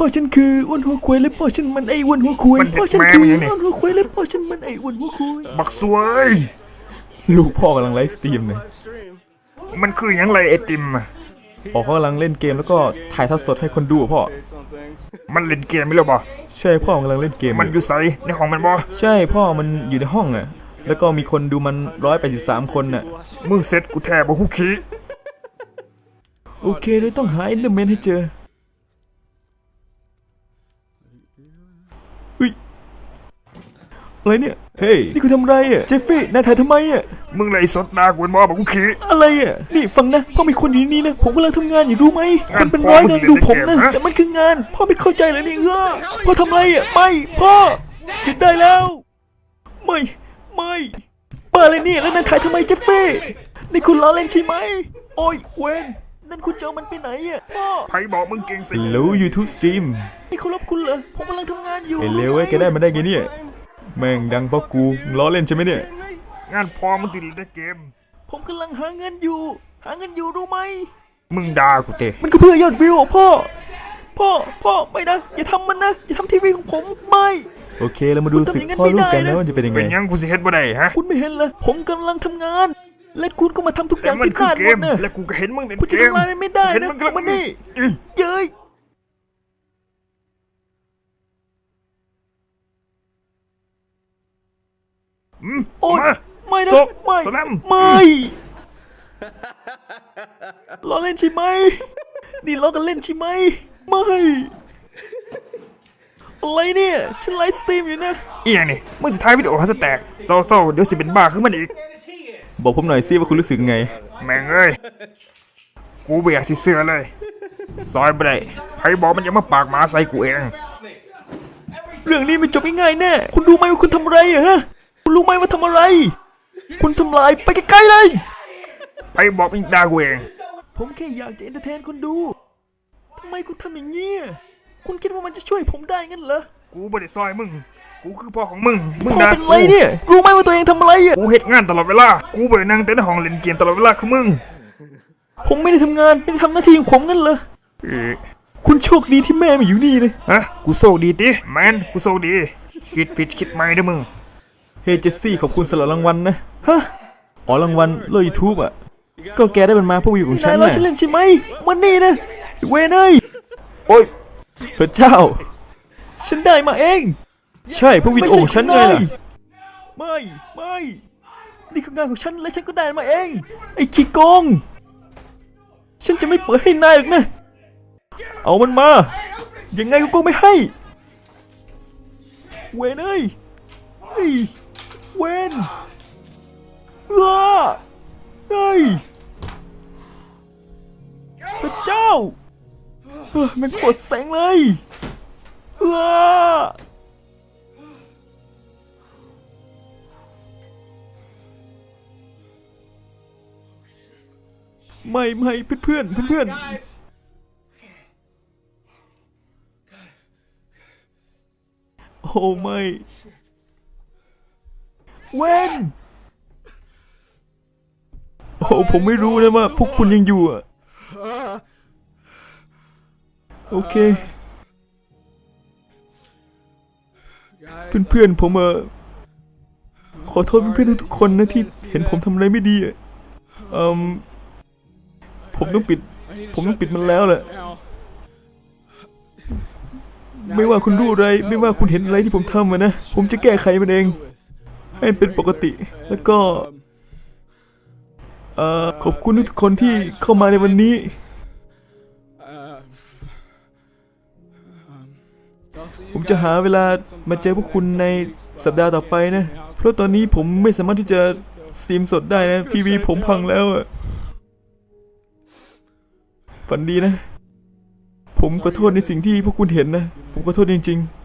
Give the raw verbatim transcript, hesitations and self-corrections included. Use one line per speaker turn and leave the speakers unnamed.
พ่อฉันคืออ้วนหัวควายและพ่อฉันมันไอ้อ้วนหัวควายพ่อฉันคืออ้วนหัวควายและพ่อฉันมันไอ้อ้วนหัวควาย
บักสวย
ลูกพ่อกำลังไลฟ์สตรีมเลย
มันคืออย่างไรไอติมอ่ะ
พ่อเขากำลังเล่นเกมแล้วก็ถ่ายทอดสดให้คนดูพ่อ
มันเล่นเกมไม่หรอบ่
ใช่พ่อกำลังเล่นเกม
มันอยู่ใสในห้องมันบ่
ใช่พ่อมันอยู่ในห้องอ่ะแล้วก็มีคนดูมันร้อยแปดสิบสามคนน่ะ
มึงเสร็จกูแทบบ่ฮู้ขี้
โอเคเลยต้องหาเอนเดอร์แมนให้เจอเฮ้ยอะไรเนี่ยเฮ้ยนี่คุณทำไรอ่ะเจฟฟี่นายถ่ายทำไมอ่ะ
มึงไรสดดากูบ่บ่ฮู้ขี้
อะไรอ่ะนี่ฟังนะพ่อมีคนอยู่นี่นะผมกำลังทำงานอยู่รู้ไหมคนเป็นร้อยกำลังดูผมนะแต่มันคืองานพ่อไม่เข้าใจเลยนี่เออพ่อทำไรอ่ะไม่พ่อหยุดได้แล้วไม่ไม่เปิดเลยนี่แล้วนายถ่ายทำไมเจฟฟี่นี่คุณล้อเล่นใช่ไหมโอ้ยเวนนั่นคุณเจอมันไปไหนอ่ะพ่อ
ใครบอกมึงเก่งสิ
รู้ YouTube Stream นี่เขารบคุณเหรอผมกำลังทำงานอยู่ไอ้เลวไอ้แกได้มาได้ไงเนี่ยแม่งดังเพราะกูล้อเล่นใช่ไหมเนี่ย
งานพอมึงติดในเกม
ผมกำลังหาเงินอยู่หาเงินอยู่รู้ไหม
มึงด่ากูเตะ
มันก็เพื่อยอดวิวพ่อพ่อพ่อไม่นะอย่าทำมันนะอย่าทำทีวีของผมไม่โอเคเรามาดูสึกพ่อลูกกันนะว่าจะเป็นยังไง
เป็นยังกูสิเฮ็ดบ่ได้ฮะ
คุณไม่เห็นเลยผมกำลังทำงานและคุณก็มาทำทุกอย่างผิดพลาดหมดนะ
และกูก็เห็นมึงเป็นเกม
คุณจะทำลายมันไม่ได้นะมันนี่เย้ยโอ๊ยไม่นะไม่ไม่ล้อเล่นใช่ไหมนี่ล้อกันเล่นใช่ไหมไม่อะไรเนี่ยฉันไลฟ์สตรีมอยู่นะ
เอียนี่มึงสุดท้ายวิดีโอฮัสแตกโซ่โซ่เดี๋ยวสิเป็นบ้าขึ้นมันอีก
บอกผมหน่อยสิว่าคุณรู้สึกไง
แม่งเอ้ยกูเบียดสิเสือเลยซอยไปได้ใครบอกมันยังมาปากหมาใส่กูเอง
เรื่องนี้ไม่จบง่ายๆแน่คุณรู้ไหมว่าคุณทำอะไรอะฮะคุณรู้ไหมว่าทำอะไรคุณทำลายไปไกลๆเลย
ใครบอกมันด่ากูเอง
ผมแค่อยากจะเอนเตอร์เทนคนดูทำไมคุณทำอย่างนี้คุณคิดว่ามันจะช่วยผมได้งั้นเหรอ
กูไม่ได้ซอยมึงกูคือพ่อของมึงมึง
นะเป็นไรเนี่ยรู้ไหมว่าตัวเองทำอะไรอ่ะ
กูเฮ็ดงานตลอดเวลากูไปนั่งเต้นห้องเล่นเกมตลอดเวลาคือมึง
ผมไม่ได้ทำงานไม่ได้ทำหน้าที่ของผมงั้นเหรอคุณโชคดีที่แม่มาอยู่นี่เลย
ฮะกูโชคดีติแมนกูโชคดีคิดผิดคิดใหม่เด้อมึง
เฮ้เจสซี่ขอบคุณสำหรับรางวัลนะฮะอ๋อรางวัลโลยูทูบอ่ะก็แกได้เป็นมาพวกวิวของฉันนะฉันเล่นใช่ไหมวันนี้นะเวนเอ้ยโอ้ยพระเจ้าฉันได้มาเองใช่พวกวิดีโอของฉันไงล่ะไม่ไม่นี่คืองานของฉันและฉันก็ได้มาเองไอ้ขี้โกงฉันจะไม่เปิดให้นายหรอกนะเอามันมายังไงกูไม่ให้เวนเอ้ยเฮ้ยเวนว้าเฮ้ยพระเจ้าเฮ้ยมันปวดแสงเลยว้าไม่ไม่เพื่อนเพื่อนเพื่อนโอ้ไม่เวนโอ้ผมไม่รู้นะว่าพวกคุณยังอยู่อ่ะโอเคเพื่อนๆผมเออขอโทษเพื่อนๆทุกคนนะที่เห็นผมทำอะไรไม่ดีอ่ะอืมผมต้องปิดผมต้องปิดมันแล้วแหละไม่ว่าคุณรู้อะไรไม่ว่าคุณเห็นอะไรที่ผมทำมานะผมจะแก้ไขมันเองให้เป็นปกติแล้วก็เอ่อขอบคุณทุกคนที่เข้ามาในวันนี้ผมจะหาเวลามาเจอพวกคุณในสัปดาห์ต่อไปนะเพราะตอนนี้ผมไม่สามารถที่จะสตรีมสดได้นะทีวีผมพังแล้วอะฝันดีนะผมขอโทษในสิ่งที่พวกคุณเห็นนะผมขอโทษจริงๆ